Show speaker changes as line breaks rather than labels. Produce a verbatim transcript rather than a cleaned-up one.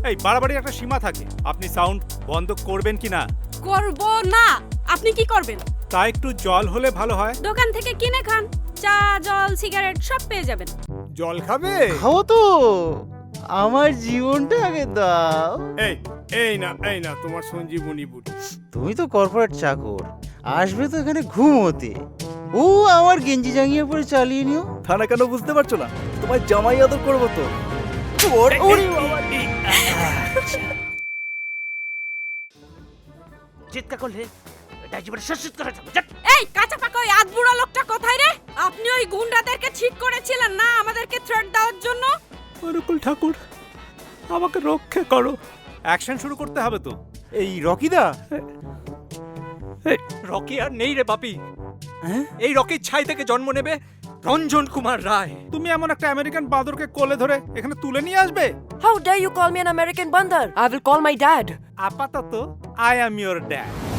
এই বাড়াবাড়ি একটা সীমা থাকে। আপনি সাউন্ড বন্ধ করবেন কি না?
করব না। আপনি কি করবেন?
তা একটু জল হলে ভালো হয়।
দোকান থেকে কিনে খান, চা জল সিগারেট সব পেয়ে যাবেন।
জল খাবে?
খাও তো, আমার জীবনটা আগে দাও।
এই এই না এই না তোমার সঞ্জীবনী বুটি।
তুমি তো কর্পোরেট চাকর, আসবে তো এখানে ঘুমোতে। ও আমার গেঞ্জি জাঙ্গিয়ে পরে চালিয়ে নিও।
থানা কেন বুঝতে পারছো না? তোমার জামাই আদর করবো তো।
চিৎকার করলে এটা জীবনে শেষ করে যাবে।
এই কাঁচা পাকা ওই আধবুড়া লোকটা কোথায় রে? আপনি ওই গুন্ডাদেরকে ঠিক করেছিলেন না আমাদেরকে থ্রেট দেওয়ার জন্য?
অনুকূল ঠাকুর, আমাকে রক্ষা করো। অ্যাকশন শুরু করতে হবে তো।
এই রকিদা,
রকি আর নেই রে বাপি।
হ্যাঁ?
এই রকির ছাই থেকে জন্ম নেবে রঞ্জন কুমার রায়।
তুমি এমন একটা আমেরিকান বাঁদরকে কোলে ধরে এখানে তুলে নিয়ে আসবে?
How dare you call me an American bandar? I will call my dad.
আপাতত আই অ্যাম ইওর ড্যাড।